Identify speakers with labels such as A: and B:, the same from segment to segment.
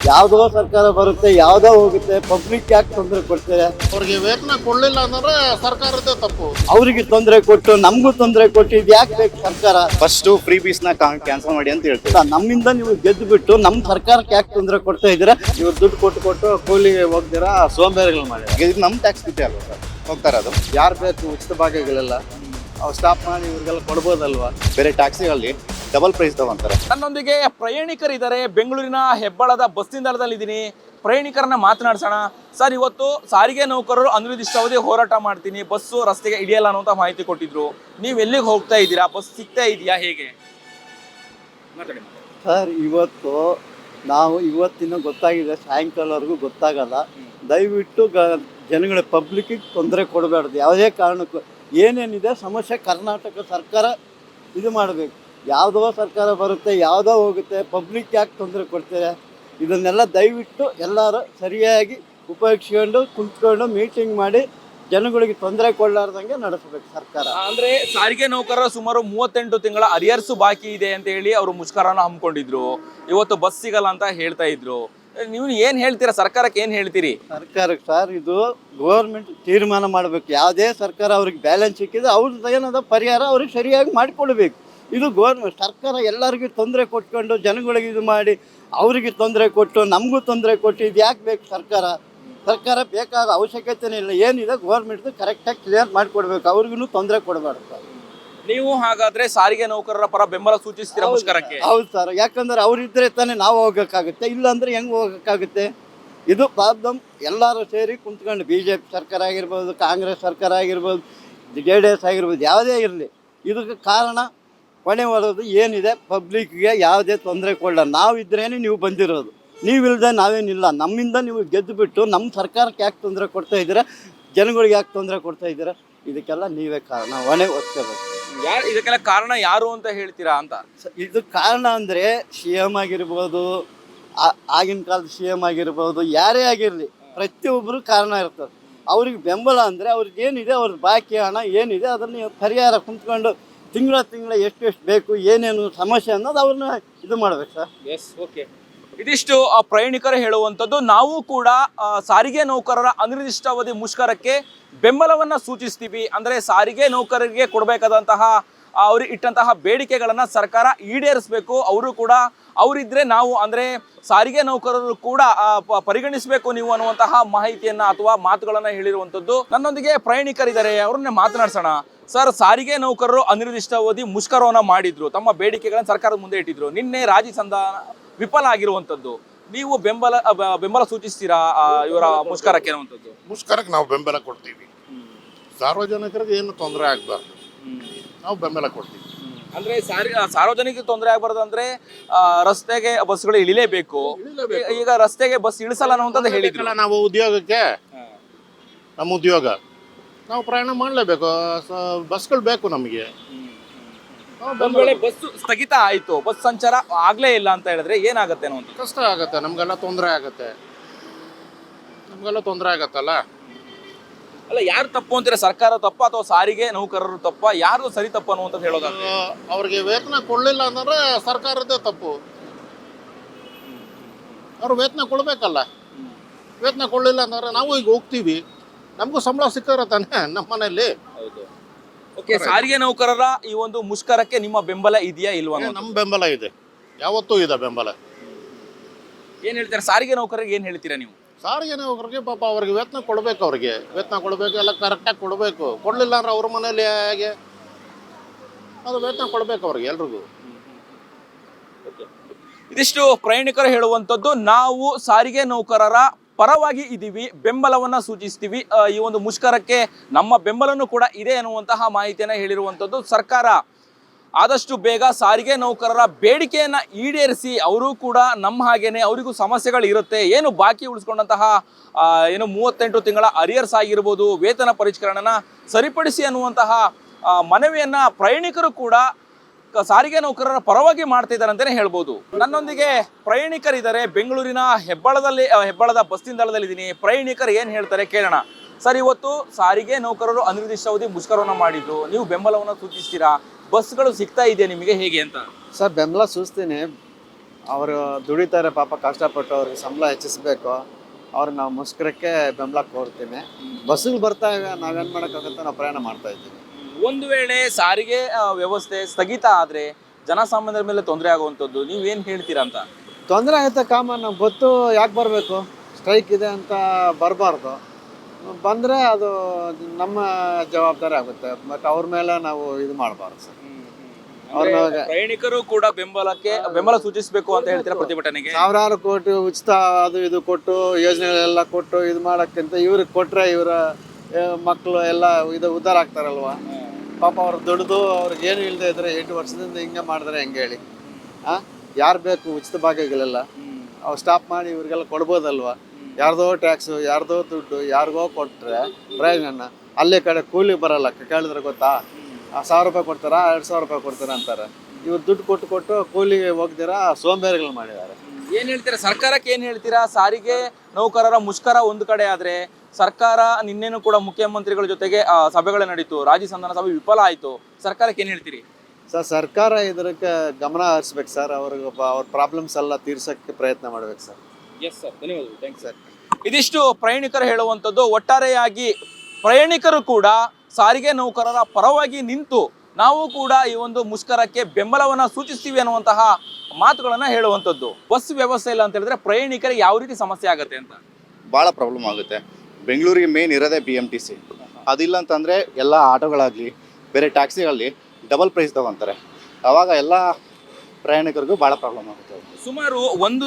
A: ಯಾವುದೋ ಸರ್ಕಾರ ಬರುತ್ತೆ, ಯಾವುದೋ ಹೋಗುತ್ತೆ, ಪಬ್ಲಿಕ್ ಯಾಕೆ ತೊಂದರೆ ಕೊಡ್ತಾರೆ?
B: ಅವ್ರಿಗೆ ವೇತನ ಕೊಡ್ಲಿಲ್ಲ ಅಂದ್ರೆ ಸರ್ಕಾರದೇ ತಪ್ಪು.
A: ಅವರಿಗೆ ತೊಂದರೆ ಕೊಟ್ಟು ನಮಗೂ ತೊಂದರೆ ಕೊಟ್ಟು ಇದು ಯಾಕೆ ಬೇಕು ಸರ್ಕಾರ?
C: ಫಸ್ಟ್ ಫ್ರೀ ಬೀಸ್ ನ ಕ್ಯಾನ್ಸಲ್ ಮಾಡಿ ಅಂತ ಹೇಳ್ತೀವಿ.
A: ನಮ್ಮಿಂದ ನೀವು ಗೆದ್ದು ಬಿಟ್ಟು ನಮ್ಮ ಸರ್ಕಾರಕ್ಕೆ ಯಾಕೆ ತೊಂದರೆ ಕೊಡ್ತಾ ಇದ್ದೀರಾ?
C: ಇವ್ರು ದುಡ್ಡು ಕೊಟ್ಟು ಕೂಲಿಗೆ ಹೋಗ್ದಿರಾ ಸೋಂಬೇರಿಗಳು ಮಾಡಿ ಇದು ನಮ್ಮ ಟ್ಯಾಕ್ಸ್ ಬಿಟ್ಟೆ ಅಲ್ವಾ ಸರ್ ಹೋಗ್ತಾರೆ. ಅದು ಯಾರು ಬೇಕು ಉಚಿತ ಭಾಗ್ಯಗಳೆಲ್ಲ ಅವ್ರು ಸ್ಟಾಪ್ ಮಾಡಿ ಇವ್ರಿಗೆಲ್ಲ ಕೊಡ್ಬೋದಲ್ವಾ? ಬೇರೆ ಟ್ಯಾಕ್ಸಿಗಳಲ್ಲಿ ಡಬಲ್ ಪ್ರೈಸ್ ತಗೊಂತಾರೆ.
D: ನನ್ನೊಂದಿಗೆ ಪ್ರಯಾಣಿಕರಿದ್ದಾರೆ. ಬೆಂಗಳೂರಿನ ಹೆಬ್ಬಾಳದ ಬಸ್ ನಿಲ್ದಾಣದಲ್ಲಿದ್ದೀನಿ. ಪ್ರಯಾಣಿಕರನ್ನ ಮಾತನಾಡ್ಸೋಣ. ಸರ್, ಇವತ್ತು ಸಾರಿಗೆ ನೌಕರರು ಅನಿರ್ದಿಷ್ಟಾವಧಿ ಹೋರಾಟ ಮಾಡ್ತೀನಿ, ಬಸ್ಸು ರಸ್ತೆಗೆ ಹಿಡಿಯಲ್ಲ ಅನ್ನೋಂಥ ಮಾಹಿತಿ ಕೊಟ್ಟಿದ್ರು. ನೀವು ಎಲ್ಲಿಗೆ ಹೋಗ್ತಾ ಇದ್ದೀರಾ? ಬಸ್ ಸಿಗ್ತಾ ಇದೆಯಾ? ಹೇಗೆ ಮಾತಾಡಿ.
A: ಸರ್, ಇವತ್ತಿನ ಗೊತ್ತಾಗಿದೆ, ಸಾಯಂಕಾಲವರೆಗೂ ಗೊತ್ತಾಗಲ್ಲ. ದಯವಿಟ್ಟು ಜನಗಳ ಪಬ್ಲಿಕ್ಕಿಗೆ ತೊಂದರೆ ಕೊಡಬಾರ್ದು. ಯಾವುದೇ ಕಾರಣಕ್ಕೂ ಏನೇನಿದೆ ಸಮಸ್ಯೆ ಕರ್ನಾಟಕ ಸರ್ಕಾರ ಇದು ಮಾಡಬೇಕು. ಯಾವುದೋ ಸರ್ಕಾರ ಬರುತ್ತೆ, ಯಾವುದೋ ಹೋಗುತ್ತೆ, ಪಬ್ಲಿಕ್ ಯಾಕೆ ತೊಂದರೆ ಕೊಡ್ತಾರೆ? ಇದನ್ನೆಲ್ಲ ದಯವಿಟ್ಟು ಎಲ್ಲರೂ ಸರಿಯಾಗಿ ಉಪಯೋಗಿಸ್ಕೊಂಡು ಕುಂತ್ಕೊಂಡು ಮೀಟಿಂಗ್ ಮಾಡಿ ಜನಗಳಿಗೆ ತೊಂದರೆ ಕೊಡಲಾರ್ದಂಗೆ ನಡೆಸಬೇಕು ಸರ್ಕಾರ.
D: ಅಂದ್ರೆ ಸಾರಿಗೆ ನೌಕರರ ಸುಮಾರು 38 ತಿಂಗಳ ಅರಿಯರ್ಸು ಬಾಕಿ ಇದೆ ಅಂತ ಹೇಳಿ ಅವರು ಮುಷ್ಕರನ ಹಮ್ಮಿಕೊಂಡಿದ್ರು. ಇವತ್ತು ಬಸ್ ಸಿಗಲ್ಲ ಅಂತ ಹೇಳ್ತಾ ಇದ್ರು. ನೀವು ಏನ್ ಹೇಳ್ತೀರಾ? ಸರ್ಕಾರಕ್ಕೆ ಏನ್ ಹೇಳ್ತೀರಿ?
A: ಸರ್ಕಾರಕ್ಕೆ ಸರ್, ಇದು ಗೌರ್ಮೆಂಟ್ ತೀರ್ಮಾನ ಮಾಡಬೇಕು. ಯಾವುದೇ ಸರ್ಕಾರ ಅವ್ರಿಗೆ ಬ್ಯಾಲೆನ್ಸ್ ಸಿಕ್ಕಿದ್ರೆ ಅವ್ರದ್ದು ಏನದ ಪರಿಹಾರ ಅವ್ರಿಗೆ ಸರಿಯಾಗಿ ಮಾಡಿಕೊಡ್ಬೇಕು. ಇದು ಸರ್ಕಾರ ಎಲ್ಲರಿಗೂ ತೊಂದರೆ ಕೊಟ್ಕೊಂಡು ಜನಗಳಿಗೆ ಇದು ಮಾಡಿ ಅವರಿಗೆ ತೊಂದರೆ ಕೊಟ್ಟು ನಮಗೂ ತೊಂದರೆ ಕೊಟ್ಟು ಇದು ಯಾಕೆ ಬೇಕು ಸರ್ಕಾರ ಬೇಕಾದ ಅವಶ್ಯಕತೆನೇ ಇಲ್ಲ. ಏನಿದೆ ಗೌರ್ಮೆಂಟ್ದು ಕರೆಕ್ಟಾಗಿ ಕ್ಲಿಯರ್ ಮಾಡಿಕೊಡ್ಬೇಕು. ಅವ್ರಿಗೂ ತೊಂದರೆ ಕೊಡಬಾರ್ದು ಸರ್.
D: ನೀವು ಹಾಗಾದ್ರೆ ಸಾರಿಗೆ ನೌಕರರ ಪರ ಬೆಂಬಲ ಸೂಚಿಸ್ತೀರಾ ಮುಷ್ಕರಕ್ಕೆ?
A: ಹೌದು ಸರ್, ಯಾಕಂದ್ರೆ ಅವರಿದ್ದರೆ ತಾನೇ ನಾವು ಹೋಗೋಕ್ಕಾಗುತ್ತೆ, ಇಲ್ಲಾಂದ್ರೆ ಹೆಂಗೆ ಹೋಗೋಕ್ಕಾಗುತ್ತೆ? ಇದು ಪ್ರಾಬ್ಲಮ್. ಎಲ್ಲರೂ ಸೇರಿ ಕುಂತ್ಕೊಂಡು BJP ಸರ್ಕಾರ ಆಗಿರ್ಬೋದು, ಕಾಂಗ್ರೆಸ್ ಸರ್ಕಾರ ಆಗಿರ್ಬೋದು, JDS ಆಗಿರ್ಬೋದು, ಯಾವುದೇ ಇರಲಿ, ಇದಕ್ಕೆ ಕಾರಣ ಕೊನೆ ಬರೋದು ಏನಿದೆ, ಪಬ್ಲಿಕ್ಗೆ ಯಾವುದೇ ತೊಂದರೆ ಕೊಡಲ್ಲ. ನಾವಿದ್ರೇನೆ ನೀವು ಬಂದಿರೋದು, ನೀವಿಲ್ಲದೆ ನಾವೇನಿಲ್ಲ. ನಮ್ಮಿಂದ ನೀವು ಗೆದ್ದು ಬಿಟ್ಟು ನಮ್ಮ ಸರ್ಕಾರಕ್ಕೆ ಯಾಕೆ ತೊಂದರೆ ಕೊಡ್ತಾ ಇದ್ದೀರಾ? ಜನಗಳಿಗೆ ಯಾಕೆ ತೊಂದರೆ ಕೊಡ್ತಾ ಇದ್ದೀರಾ? ಇದಕ್ಕೆಲ್ಲ ನೀವೇ ಕಾರಣ, ಹೊಣೆ ಹೊತ್ಕೋಬೇಕು.
D: ಇದಕ್ಕೆಲ್ಲ ಕಾರಣ ಯಾರು ಅಂತ ಹೇಳ್ತೀರಾ ಅಂತ?
A: ಇದು ಕಾರಣ ಅಂದರೆ CM ಆಗಿರ್ಬೋದು, ಆಗಿನ ಕಾಲದ CM ಆಗಿರ್ಬೋದು, ಯಾರೇ ಆಗಿರಲಿ, ಪ್ರತಿಯೊಬ್ಬರು ಕಾರಣ ಇರ್ತದೆ. ಅವ್ರಿಗೆ ಬೆಂಬಲ ಅಂದರೆ ಅವ್ರಿಗೆ ಏನಿದೆ, ಅವ್ರ ಬಾಕಿ ಹಣ ಏನಿದೆ ಅದನ್ನು ಪರಿಹಾರ ಕುಂತ್ಕೊಂಡು ತಿಂಗಳ ಎಷ್ಟು ಬೇಕು, ಏನೇನು ಸಮಸ್ಯೆ ಅನ್ನೋದು ಅವ್ರನ್ನ ಇದು ಮಾಡ್ಬೇಕು ಸರ್.
D: S, okay. ಇದಿಷ್ಟು ಪ್ರಯಾಣಿಕರು ಹೇಳುವಂಥದ್ದು. ನಾವು ಕೂಡ ಸಾರಿಗೆ ನೌಕರರ ಅನಿರ್ದಿಷ್ಟಾವಧಿ ಮುಷ್ಕರಕ್ಕೆ ಬೆಂಬಲವನ್ನು ಸೂಚಿಸ್ತೀವಿ. ಅಂದರೆ ಸಾರಿಗೆ ನೌಕರರಿಗೆ ಕೊಡಬೇಕಾದಂತಹ ಅವ್ರಿಗೆ ಇಟ್ಟಂತಹ ಬೇಡಿಕೆಗಳನ್ನು ಸರ್ಕಾರ ಈಡೇರಿಸಬೇಕು. ಅವರು ಕೂಡ ಅವರಿದ್ದರೆ ನಾವು ಅಂದರೆ ಸಾರಿಗೆ ನೌಕರರು ಕೂಡ ಪರಿಗಣಿಸಬೇಕು ನೀವು ಅನ್ನುವಂತಹ ಮಾಹಿತಿಯನ್ನು ಅಥವಾ ಮಾತುಗಳನ್ನು ಹೇಳಿರುವಂಥದ್ದು. ನನ್ನೊಂದಿಗೆ ಪ್ರಯಾಣಿಕರಿದ್ದಾರೆ, ಅವ್ರನ್ನೇ ಮಾತನಾಡ್ಸೋಣ. ಸರ್, ಸಾರಿಗೆ ನೌಕರರು ಅನಿರ್ದಿಷ್ಟಾವಧಿ ಮುಷ್ಕರವನ್ನು ಮಾಡಿದ್ರು, ತಮ್ಮ ಬೇಡಿಕೆಗಳನ್ನು ಸರ್ಕಾರದ ಮುಂದೆ ಇಟ್ಟಿದ್ರು. ನಿನ್ನೆ ರಾಜಿ ಸಂಧಾನ ವಿಫಲ ಆಗಿರುವಂಥದ್ದು. ನೀವು ಬೆಂಬಲ ಸೂಚಿಸ್ತೀರಾ ಇವರ ಮುಷ್ಕರಕ್ಕೆ ಅನ್ನುವಂಥದ್ದು?
B: ಮುಷ್ಕರಕ್ಕೆ ನಾವು ಬೆಂಬಲ ಕೊಡ್ತೀವಿ. ಸಾರ್ವಜನಿಕರಿಗೆ ಏನು ತೊಂದರೆ ಆಗಬಾರ್ದು, ನಾವು ಬೆಂಬಲ ಕೊಡ್ತೀವಿ.
D: ಅಂದ್ರೆ ಸಾರ್ವಜನಿಕ ತೊಂದರೆ ಆಗಬಾರ್ದು ಅಂದ್ರೆ ರಸ್ತೆಗೆ ಬಸ್ಗಳು ಇಳಿಲೇಬೇಕು. ಈಗ ರಸ್ತೆಗೆ ಬಸ್ ಇಳಿಸಲ್ಲ ಅನ್ನುವಂಥದ್ದು ಹೇಳಿದ್ರು.
B: ನಾವು ಉದ್ಯೋಗಕ್ಕೆ, ನಮ್ಮ ಉದ್ಯೋಗ ನಾವು ಪ್ರಯಾಣ ಮಾಡಲೇಬೇಕು, ಬಸ್ಗಳು ಬೇಕು ನಮಗೆ.
D: ಒಂದ್ ವೇಳೆ ಬಸ್ ಸ್ಥಗಿತ ಆಯ್ತು, ಬಸ್ ಸಂಚಾರ ಆಗ್ಲೇ ಇಲ್ಲ ಅಂತ ಹೇಳಿದ್ರೆ ಏನಾಗುತ್ತೆ ಅನ್ನೋದು?
B: ಕಷ್ಟ ಆಗುತ್ತೆ, ನಮ್ಗೆಲ್ಲ ತೊಂದರೆ ಆಗುತ್ತೆ. ಆಗತ್ತಲ್ಲ.
D: ಅಲ್ಲ, ಯಾರು ತಪ್ಪು ಅಂತೀರಾ? ಸರ್ಕಾರ ತಪ್ಪ ಅಥವಾ ಸಾರಿಗೆ ನೌಕರರು ತಪ್ಪ? ಯಾರು ಸರಿ ತಪ್ಪು ಅನ್ನುವಂಥದ್ದು ಹೇಳೋದಾದ್ರೆ?
B: ಅವ್ರಿಗೆ ವೇತನ ಕೊಡಲಿಲ್ಲ ಅಂದ್ರೆ ಸರ್ಕಾರದೇ ತಪ್ಪು. ಅವ್ರು ವೇತನ ಕೊಡಬೇಕಲ್ಲ. ವೇತನ ಕೊಡಲಿಲ್ಲ ಅಂದ್ರೆ ನಾವು ಈಗ ಹೋಗ್ತೀವಿ, ನಮಗೂ ಸಂಬಳ ಸಿಕ್ಕಿದ್ರೆ ತಾನೆ ನಮ್ಮ ಮನೆಯಲ್ಲಿ.
D: ಓಕೆ, ಸಾರಿಗೆ ನೌಕರರ ಈ ಒಂದು ಮುಷ್ಕರಕ್ಕೆ ನಿಮ್ಮ ಬೆಂಬಲ ಇದೆಯಾ ಇಲ್ವಾ?
B: ನಮ್ಮ ಬೆಂಬಲ ಇದೆ, ಯಾವತ್ತೂ ಇದೆ ಬೆಂಬಲ.
D: ಏನ್ ಹೇಳ್ತೀರಾ ಸಾರಿಗೆ ನೌಕರರಿಗೆ? ಏನ್ ಹೇಳ್ತೀರಾ ನೀವು?
B: ಸಾರಿಗೆ ನೌಕರಿಗೆ ಪಾಪ ಅವ್ರಿಗೆ ವೇತನ ಕೊಡಬೇಕು, ಅವ್ರಿಗೆ ವೇತನ ಕೊಡಬೇಕು, ಎಲ್ಲ ಕರೆಕ್ಟಾಗಿ ಕೊಡಬೇಕು. ಕೊಡಲಿಲ್ಲ ಅಂದ್ರೆ ಅವ್ರ ಮನೇಲಿ ಹೇಗೆ ಅದು ವೇತನ ಕೊಡಬೇಕು ಅವ್ರಿಗೆ ಎಲ್ರಿಗೂ.
D: ಇದಿಷ್ಟು ಪ್ರಯಾಣಿಕರು ಹೇಳುವಂಥದ್ದು. ನಾವು ಸಾರಿಗೆ ನೌಕರರ ಪರವಾಗಿ ಇದ್ದೀವಿ, ಬೆಂಬಲವನ್ನ ಸೂಚಿಸ್ತೀವಿ. ಈ ಒಂದು ಮುಷ್ಕರಕ್ಕೆ ನಮ್ಮ ಬೆಂಬಲನೂ ಕೂಡ ಇದೆ ಅನ್ನುವಂತಹ ಮಾಹಿತಿಯನ್ನು ಹೇಳಿರುವಂಥದ್ದು. ಸರ್ಕಾರ ಆದಷ್ಟು ಬೇಗ ಸಾರಿಗೆ ನೌಕರರ ಬೇಡಿಕೆಯನ್ನು ಈಡೇರಿಸಿ, ಅವರು ಕೂಡ ನಮ್ಮ ಹಾಗೇನೆ ಅವರಿಗೂ ಸಮಸ್ಯೆಗಳು ಇರುತ್ತೆ, ಏನು ಬಾಕಿ ಉಳಿಸ್ಕೊಂಡಂತಹ ಏನು 38 ತಿಂಗಳ ಅರಿಯರ್ಸ್ ಆಗಿರ್ಬೋದು, ವೇತನ ಪರಿಷ್ಕರಣೆನ ಸರಿಪಡಿಸಿ ಅನ್ನುವಂತಹ ಮನವಿಯನ್ನು ಪ್ರಯಾಣಿಕರು ಕೂಡ ಸಾರಿಗೆ ನೌಕರರ ಪರವಾಗಿ ಮಾಡ್ತಾ ಇದ್ದಾರೆ ಅಂತಲೇ ಹೇಳ್ಬೋದು. ನನ್ನೊಂದಿಗೆ ಪ್ರಯಾಣಿಕರಿದ್ದಾರೆ. ಬೆಂಗಳೂರಿನ ಹೆಬ್ಬಾಳದ ಬಸ್ ನಿಲ್ದಾಣದಲ್ಲಿದ್ದೀನಿ. ಪ್ರಯಾಣಿಕರು ಏನು ಹೇಳ್ತಾರೆ ಕೇಳೋಣ. ಸರ್, ಇವತ್ತು ಸಾರಿಗೆ ನೌಕರರು ಅನಿರ್ದಿಷ್ಟಾವಧಿ ಮುಷ್ಕರವನ್ನು ಮಾಡಿದ್ರು, ನೀವು ಬೆಂಬಲವನ್ನು ಸೂಚಿಸ್ತೀರಾ? ಬಸ್ಗಳು ಸಿಗ್ತಾ ಇದೆಯಾ ನಿಮಗೆ, ಹೇಗೆ ಅಂತ?
E: ಸರ್, ಬೆಂಬಲ ಸೂಚಿಸ್ತೀನಿ.
C: ಅವರು ದುಡಿತಾರೆ ಪಾಪ ಕಷ್ಟಪಟ್ಟು ಅವ್ರಿಗೆ ಸಂಬಳ ಹೆಚ್ಚಿಸ್ಬೇಕು. ಅವ್ರಿಗೆ ನಾವು ಮುಷ್ಕರಕ್ಕೆ ಬೆಂಬಲ ಕೋರ್ತೀನಿ. ಬಸ್ಸುಗಳು ಬರ್ತಾ ಇವೆ, ನಾವೇನು ಮಾಡೋಕ್ಕಾಗುತ್ತೆ, ನಾವು ಪ್ರಯಾಣ ಮಾಡ್ತಾ ಇದ್ದೀವಿ.
D: ಒಂದು ವೇಳೆ ಸಾರಿಗೆ ವ್ಯವಸ್ಥೆ ಸ್ಥಗಿತ ಆದರೆ ಜನಸಾಮಾನ್ಯರ ಮೇಲೆ ತೊಂದರೆ ಆಗುವಂಥದ್ದು ನೀವೇನು ಹೇಳ್ತೀರಾ ಅಂತ?
C: ತೊಂದರೆ ಆಗುತ್ತೆ ಕಾಮನ್, ನಮ್ಗೆ ಗೊತ್ತು ಯಾಕೆ ಬರಬೇಕು, ಸ್ಟ್ರೈಕ್ ಇದೆ ಅಂತ ಬರಬಾರ್ದು. ಬಂದರೆ ಅದು ನಮ್ಮ ಜವಾಬ್ದಾರಿ ಆಗುತ್ತೆ, ಬಟ್ ಅವ್ರ ಮೇಲೆ ನಾವು ಇದು ಮಾಡಬಾರ್ದು ಸರ್.
D: ಅಂದ್ರೆ ಪ್ರಯಾಣಿಕರು ಕೂಡ ಬೆಂಬಲ ಸೂಚಿಸಬೇಕು ಅಂತ ಹೇಳ್ತೀರಾ ಪ್ರತಿಭಟನೆಗೆ?
C: ಸಾವಿರಾರು ಕೋಟಿ ಉಚಿತ ಅದು ಇದು ಕೊಟ್ಟು ಯೋಜನೆಗಳೆಲ್ಲ ಕೊಟ್ಟು ಇದು ಮಾಡೋಕ್ಕಿಂತ ಇವ್ರಿಗೆ ಕೊಟ್ಟರೆ ಇವರ ಮಕ್ಕಳು ಎಲ್ಲ ಇದು ಉದ್ಧಾರ ಆಗ್ತಾರಲ್ವ. ಪಾಪ ಅವ್ರು ದುಡಿದು ಅವ್ರಿಗೆ ಏನು ಇಲ್ಲದೆ ಇದ್ರೆ 8 ವರ್ಷದಿಂದ ಹಿಂಗೆ ಮಾಡಿದ್ರೆ ಹೆಂಗೆ ಹೇಳಿ? ಯಾರು ಬೇಕು ಉಚಿತ ಭಾಗ್ಯಗಳೆಲ್ಲ ಅವ್ರು ಸ್ಟಾಪ್ ಮಾಡಿ ಇವ್ರಿಗೆಲ್ಲ ಕೊಡ್ಬೋದಲ್ವ? ಯಾರ್ದೋ ಟ್ಯಾಕ್ಸು, ಯಾರ್ದೋ ದುಡ್ಡು ಯಾರಿಗೋ ಕೊಟ್ಟರೆ ಪ್ರಯೋಜನ. ಅಲ್ಲೇ ಕಡೆ ಕೂಲಿ ಬರಲ್ಲ, ಕೇಳಿದ್ರೆ ಗೊತ್ತಾ? 1000 ರೂಪಾಯಿ ಕೊಡ್ತಾರಾ, 2000 ರೂಪಾಯಿ ಕೊಡ್ತಾರ ಅಂತಾರೆ. ಇವ್ರು ದುಡ್ಡು ಕೊಟ್ಟು ಕೂಲಿಗೆ ಹೋಗ್ದಿರಾ ಸೋಂಬೇರಿಗಳು ಮಾಡಿದ್ದಾರೆ.
D: ಏನ್ ಹೇಳ್ತೀರಾ ಸರ್ಕಾರಕ್ಕೆ? ಏನ್ ಹೇಳ್ತೀರಾ? ಸಾರಿಗೆ ನೌಕರರ ಮುಷ್ಕರ ಒಂದು ಕಡೆ ಆದ್ರೆ ಸರ್ಕಾರ ನಿನ್ನೆನೂ ಕೂಡ ಮುಖ್ಯಮಂತ್ರಿಗಳ ಜೊತೆಗೆ ಸಭೆಗಳು ನಡೀತು, ರಾಜ್ಯ ಸಂಧಾನ ಸಭೆ ವಿಫಲ ಆಯ್ತು. ಸರ್ಕಾರಕ್ಕೆ ಏನ್ ಹೇಳ್ತೀರಿ?
C: ಸರ್, ಸರ್ಕಾರ ಇದಕ್ಕೆ ಗಮನ ಹರಿಸ್ಬೇಕು ಸರ್. ಅವ್ರ ಪ್ರಾಬ್ಲಮ್ಸ್ ಎಲ್ಲ ತೀರ್ಸೋಕ್ಕೆ ಪ್ರಯತ್ನ ಮಾಡ್ಬೇಕು ಸರ್.
D: ಎಸ್ ಸರ್, ಧನ್ಯವಾದಗಳು. Thanks sir. ಇದಿಷ್ಟು ಪ್ರಯಾಣಿಕರು ಹೇಳುವಂಥದ್ದು. ಒಟ್ಟಾರೆಯಾಗಿ ಪ್ರಯಾಣಿಕರು ಕೂಡ ಸಾರಿಗೆ ನೌಕರರ ಪರವಾಗಿ ನಿಂತು ನಾವು ಕೂಡ ಈ ಒಂದು ಮುಷ್ಕರಕ್ಕೆ ಬೆಂಬಲವನ್ನು ಸೂಚಿಸ್ತೀವಿ ಅನ್ನುವಂತಹ ಮಾತುಗಳನ್ನ ಹೇಳುವಂಥದ್ದು. ಬಸ್ ವ್ಯವಸ್ಥೆ ಇಲ್ಲ ಅಂತ ಹೇಳಿದ್ರೆ ಪ್ರಯಾಣಿಕರಿಗೆ ಯಾವ ರೀತಿ ಸಮಸ್ಯೆ ಆಗುತ್ತೆ ಅಂತ?
E: ಭಾಳ ಪ್ರಾಬ್ಲಮ್ ಆಗುತ್ತೆ. ಬೆಂಗಳೂರಿಗೆ ಮೇನ್ ಇರೋದೇ BMTC. ಅದಿಲ್ಲ ಅಂತಂದರೆ ಎಲ್ಲ ಆಟೋಗಳಾಗಲಿ ಬೇರೆ ಟ್ಯಾಕ್ಸಿಗಳಲ್ಲಿ ಡಬಲ್ ಪ್ರೈಸ್ ತಗೊತಾರೆ. ಆವಾಗ ಎಲ್ಲ ಪ್ರಯಾಣಿಕರಿಗೂ ಭಾಳ ಪ್ರಾಬ್ಲಮ್ ಆಗುತ್ತೆ.
D: ಸುಮಾರು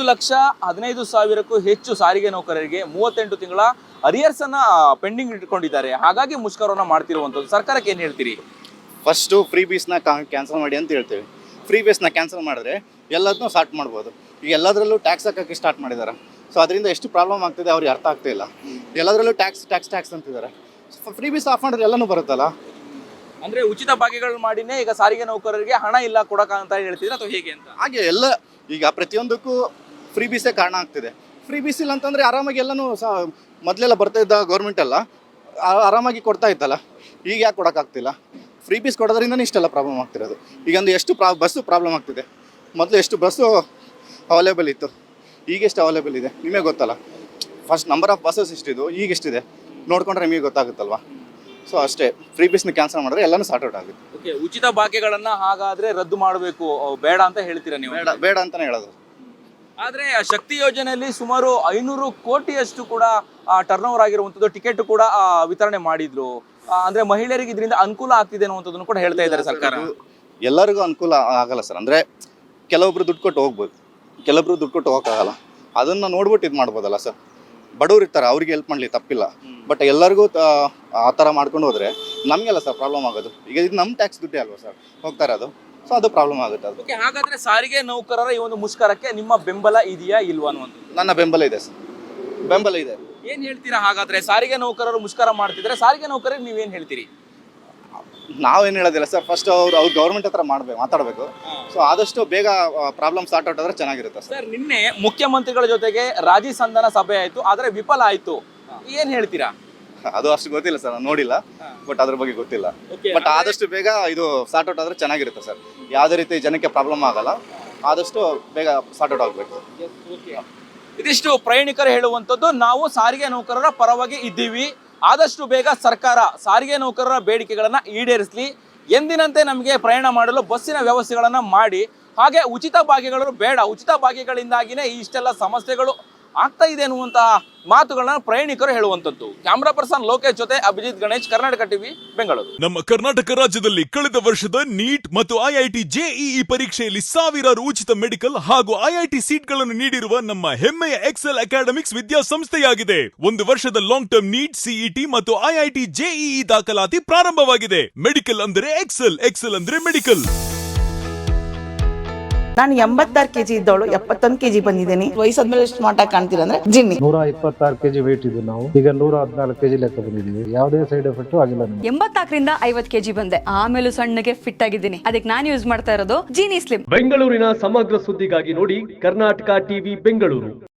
D: 1,15,000ಕ್ಕೂ ಹೆಚ್ಚು ಸಾರಿಗೆ ನೌಕರರಿಗೆ 38 ತಿಂಗಳ ಅರಿಯರ್ಸನ್ನು ಪೆಂಡಿಂಗ್ ಇಟ್ಕೊಂಡಿದ್ದಾರೆ. ಹಾಗಾಗಿ ಮುಷ್ಕರವನ್ನು ಮಾಡ್ತಿರುವಂಥದ್ದು. ಸರ್ಕಾರಕ್ಕೆ ಏನು ಹೇಳ್ತೀರಿ?
E: ಫಸ್ಟು ಫ್ರೀ ಬೀಸ್ನ ಕ್ಯಾನ್ಸಲ್ ಮಾಡಿ ಅಂತ ಹೇಳ್ತೀವಿ. ಫ್ರೀ ಬೀಸ್ನ ಕ್ಯಾನ್ಸಲ್ ಮಾಡಿದ್ರೆ ಎಲ್ಲದನ್ನೂ ಸ್ಟಾರ್ಟ್ ಮಾಡ್ಬೋದು. ಈಗ ಎಲ್ಲದರಲ್ಲೂ ಟ್ಯಾಕ್ಸ್ ಹಾಕೋಕ್ಕೆ ಸ್ಟಾರ್ಟ್ ಮಾಡಿದ್ದಾರೆ. ಸೊ ಅದರಿಂದ ಎಷ್ಟು ಪ್ರಾಬ್ಲಮ್ ಆಗ್ತಿದೆ ಅವ್ರಿಗೆ ಅರ್ಥ ಆಗ್ತಿಲ್ಲ. ಎಲ್ಲದರಲ್ಲೂ ಟ್ಯಾಕ್ಸ್ ಅಂತಿದ್ದಾರೆ. ಫ್ರೀ ಬೀಸ್ ಆಫ್ ಮಾಡಿದ್ರೆ ಎಲ್ಲನೂ ಬರುತ್ತಲ್ಲ.
D: ಅಂದರೆ ಉಚಿತ ಭಾಗ್ಯಗಳು ಮಾಡಿನೇ ಈಗ ಸಾರಿಗೆ ನೌಕರರಿಗೆ ಹಣ ಇಲ್ಲ ಕೊಡೋಕೆ ಅಂತ ಹೇಳ್ತಿದ್ರೆ ಅಥವಾ ಹೇಗೆ ಅಂತ?
E: ಹಾಗೆ ಎಲ್ಲ ಈಗ ಪ್ರತಿಯೊಂದಕ್ಕೂ ಫ್ರೀ ಬೀಸೇ ಕಾರಣ ಆಗ್ತಿದೆ. ಫ್ರೀ ಬೀಸ್ ಇಲ್ಲ ಅಂತಂದರೆ ಆರಾಮಾಗಿ ಎಲ್ಲನೂ ಮೊದಲೆಲ್ಲ ಬರ್ತಾ ಇದ್ದ ಗೌರ್ಮೆಂಟ್ ಎಲ್ಲ ಆರಾಮಾಗಿ ಕೊಡ್ತಾ ಇತ್ತಲ್ಲ. ಈಗ ಯಾಕೆ ಕೊಡೋಕ್ಕಾಗ್ತಿಲ್ಲ? ಫ್ರೀ ಬೀಸ್ ಕೊಡೋದ್ರಿಂದನೇ ಇಷ್ಟೆಲ್ಲ ಪ್ರಾಬ್ಲಮ್ ಆಗ್ತಿರೋದು. ಈಗ ಒಂದು ಎಷ್ಟು ಬಸ್ಸು ಪ್ರಾಬ್ಲಮ್ ಆಗ್ತಿದೆ. ಮೊದಲು ಎಷ್ಟು ಬಸ್ಸು ಅವೈಲೇಬಲ್ ಇತ್ತು, ಈಗ ಎಷ್ಟು ಅವೈಲೇಬಲ್ ಇದೆ ನಿಮಗೆ ಗೊತ್ತಲ್ಲ. ಫಸ್ಟ್ ನಂಬರ್ ಆಫ್ ಬಸ್ಸಸ್ ಎಷ್ಟಿದ್ದು, ಈಗ ಎಷ್ಟಿದೆ ನೋಡ್ಕೊಂಡ್ರೆ ನಿಮಗೆ ಗೊತ್ತಾಗುತ್ತಲ್ವ. ಸೊ ಅಷ್ಟೇ, ಫ್ರೀ ಬೀಸ್ನ ಕ್ಯಾನ್ಸಲ್ ಮಾಡಿದ್ರೆ ಎಲ್ಲನೂ ಸಾರ್ಟ್ ಔಟ್ ಆಗುತ್ತೆ.
D: ಓಕೆ, ಉಚಿತ ಭಾಗ್ಯಗಳನ್ನು ಹಾಗಾದರೆ ರದ್ದು ಮಾಡಬೇಕು, ಬೇಡ ಅಂತ ಹೇಳ್ತೀರಾ ನೀವು?
E: ಬೇಡ ಅಂತಲೇ ಹೇಳೋದು.
D: ಆದರೆ ಶಕ್ತಿ ಯೋಜನೆಯಲ್ಲಿ ಸುಮಾರು 500 ಕೋಟಿಯಷ್ಟು ಕೂಡ ಟರ್ನ್ ಓವರ್ ಆಗಿರುವಂಥದ್ದು. ಟಿಕೆಟ್ ಕೂಡ ವಿತರಣೆ ಮಾಡಿದ್ರು. ಅಂದರೆ ಮಹಿಳೆಯರಿಗೆ ಇದರಿಂದ ಅನುಕೂಲ ಆಗ್ತಿದೆ ಅನ್ನುವಂಥದ್ದನ್ನು ಕೂಡ ಹೇಳ್ತಾ ಇದ್ದಾರೆ ಸರ್ಕಾರ.
E: ಎಲ್ಲರಿಗೂ ಅನುಕೂಲ ಆಗಲ್ಲ ಸರ್. ಅಂದರೆ ಕೆಲವೊಬ್ರು ದುಡ್ಡು ಕೊಟ್ಟು ಹೋಗ್ಬೋದು, ಕೆಲವೊಬ್ರು ದುಡ್ಡು ಕೊಟ್ಟು ಹೋಗೋಕ್ಕಾಗಲ್ಲ. ಅದನ್ನು ನೋಡ್ಬಿಟ್ಟು ಇದು ಮಾಡ್ಬೋದಲ್ಲ ಸರ್. ಬಡವ್ರು ಇರ್ತಾರೆ, ಅವ್ರಿಗೆ ಹೆಲ್ಪ್ ಮಾಡಲಿ ತಪ್ಪಿಲ್ಲ. ಬಟ್ ಎಲ್ಲರಿಗೂ ಆ ಥರ ಮಾಡ್ಕೊಂಡು ಹೋದರೆ ನಮಗೆಲ್ಲ ಸರ್ ಪ್ರಾಬ್ಲಮ್ ಆಗೋದು. ಈಗ ಇದು ನಮ್ಮ ಟ್ಯಾಕ್ಸ್ ದುಡ್ಡೇ ಅಲ್ವಾ ಸರ್ ಹೋಗ್ತಾ ಇರೋದು. ಸೊ ಅದು ಪ್ರಾಬ್ಲಮ್ ಆಗುತ್ತೆ. ಅದು
D: ಓಕೆ, ಹಾಗಾದರೆ ಸಾರಿಗೆ ನೌಕರರ ಈ ಒಂದು ಮುಷ್ಕರಕ್ಕೆ ನಿಮ್ಮ ಬೆಂಬಲ ಇದೆಯಾ ಇಲ್ವಾ ಅನ್ನುವಂಥದ್ದು?
E: ನನ್ನ ಬೆಂಬಲ ಇದೆ ಸರ್, ಬೆಂಬಲ ಇದೆ.
D: ಏನು ಹೇಳ್ತೀರಾ ಹಾಗಾದರೆ? ಸಾರಿಗೆ ನೌಕರರು ಮುಷ್ಕರ ಮಾಡ್ತಿದ್ರೆ ಸಾರಿಗೆ ನೌಕರರಿಗೆ ನೀವೇನು ಹೇಳ್ತೀರಿ?
E: ನಾವೇನು ಹೇಳೋದಿಲ್ಲ ಸರ್. ಫಸ್ಟ್ ಅವ್ರು ಗೌರ್ಮೆಂಟ್ ಹತ್ರ ಮಾತಾಡಬೇಕು. ಸೊ ಆದಷ್ಟು ಬೇಗ ಪ್ರಾಬ್ಲಮ್ ಸಾರ್ಟ್ ಔಟ್ ಆದರೆ ಚೆನ್ನಾಗಿರುತ್ತೆ
D: ಸರ್. ನಿನ್ನೆ ಮುಖ್ಯಮಂತ್ರಿಗಳ ಜೊತೆಗೆ ರಾಜ್ಯ ಸಂಧಾನ ಸಭೆ ಆಯಿತು, ಆದರೆ ವಿಫಲ ಆಯಿತು. ಏನು ಹೇಳ್ತೀರಾ?
E: ಅದು ಅಷ್ಟು ಗೊತ್ತಿಲ್ಲ ಸರ್, ನಾನು ನೋಡಿಲ್ಲ. ಬಟ್ ಅದ್ರ ಬಗ್ಗೆ ಗೊತ್ತಿಲ್ಲ. ಬಟ್ ಆದಷ್ಟು ಬೇಗ ಇದು ಸಾರ್ಟ್ ಔಟ್ ಆದರೆ ಚೆನ್ನಾಗಿರುತ್ತೆ ಸರ್. ಯಾವುದೇ ರೀತಿ ಜನಕ್ಕೆ ಪ್ರಾಬ್ಲಮ್ ಆಗಲ್ಲ. ಆದಷ್ಟು ಬೇಗ ಸಾರ್ಟ್ ಔಟ್ ಆಗಬೇಕು.
D: ಇದಿಷ್ಟು ಪ್ರಯಾಣಿಕರು ಹೇಳುವಂಥದ್ದು. ನಾವು ಸಾರಿಗೆ ನೌಕರರ ಪರವಾಗಿ ಇದ್ದೀವಿ. ಆದಷ್ಟು ಬೇಗ ಸರ್ಕಾರ ಸಾರಿಗೆ ನೌಕರರ ಬೇಡಿಕೆಗಳನ್ನು ಈಡೇರಿಸಲಿ. ಎಂದಿನಂತೆ ನಮಗೆ ಪ್ರಯಾಣ ಮಾಡಲು ಬಸ್ಸಿನ ವ್ಯವಸ್ಥೆಗಳನ್ನು ಮಾಡಿ, ಹಾಗೆ ಉಚಿತ ಭಾಗ್ಯಗಳು ಬೇಡ, ಉಚಿತ ಭಾಗ್ಯಗಳಿಂದಾಗಿಯೇ ಇಷ್ಟೆಲ್ಲ ಸಮಸ್ಯೆಗಳು ಆಗ್ತಾ ಇದೆ ಅನ್ನುವಂತಹ ಮಾತುಗಳನ್ನ ಪ್ರಯಾಣಿಕರು ಹೇಳುವಂಥದ್ದು. ಕ್ಯಾಮ್ರಾ ಪರ್ಸನ್ ಲೋಕೇಶ್ ಜೊತೆ ಅಭಿಜಿತ್ ಗಣೇಶ್, ಕರ್ನಾಟಕ ಟಿವಿ, ಬೆಂಗಳೂರು.
F: ನಮ್ಮ ಕರ್ನಾಟಕ ರಾಜ್ಯದಲ್ಲಿ ಕಳೆದ ವರ್ಷದ ನೀಟ್ ಮತ್ತು IIT JEE ಪರೀಕ್ಷೆಯಲ್ಲಿ ಸಾವಿರಾರು ಉಚಿತ ಮೆಡಿಕಲ್ ಹಾಗೂ IIT ಸೀಟ್ಗಳನ್ನು ನೀಡಿರುವ ನಮ್ಮ ಹೆಮ್ಮೆಯ ಎಕ್ಸೆಲ್ ಅಕಾಡೆಮಿಕ್ಸ್ ವಿದ್ಯಾಸಂಸ್ಥೆಯಾಗಿದೆ. 1 ವರ್ಷದ ಲಾಂಗ್ ಟರ್ಮ್ ನೀಟ್, CET ಮತ್ತು IIT JEE ದಾಖಲಾತಿ ಪ್ರಾರಂಭವಾಗಿದೆ. ಮೆಡಿಕಲ್ ಅಂದರೆ ಎಕ್ಸೆಲ್, ಎಕ್ಸೆಲ್ ಅಂದ್ರೆ ಮೆಡಿಕಲ್.
G: ನಾನು 86 kg ಇದ್ದವಳು 71 kg ಬಂದಿದ್ದೀನಿ. ವಯಸ್ಸಾದ್ಮೇಲೆ ಸ್ಮಾರ್ಟ್ ಆಗಿ ಕಾಣ್ತೀರಾ ಅಂದ್ರೆ ಜಿನ್ನಿ.
H: 126 kg ವೇಟ್ ಇದ್ದು ನಾವು ಈಗ 114 kg ಲೆಕ್ಕ ಬಂದಿದ್ದೀವಿ. ಯಾವುದೇ ಸೈಡ್ ಎಫೆಕ್ಟ್ ಆಗಿಲ್ಲ ನಮಗೆ.
I: 84ರಿಂದ 50 kg ಬಂದೆ. ಆಮೇಲೆ ಸಣ್ಣಗೆ ಫಿಟ್ ಆಗಿದ್ದೀನಿ. ಅದಕ್ಕೆ ನಾನು ಯೂಸ್ ಮಾಡ್ತಾ ಇರೋದು ಜೀನಿ ಸ್ಲಿಮ್.
J: ಬೆಂಗಳೂರಿನ ಸಮಗ್ರ ಸುದ್ದಿಗಾಗಿ ನೋಡಿ ಕರ್ನಾಟಕ ಟಿವಿ ಬೆಂಗಳೂರು.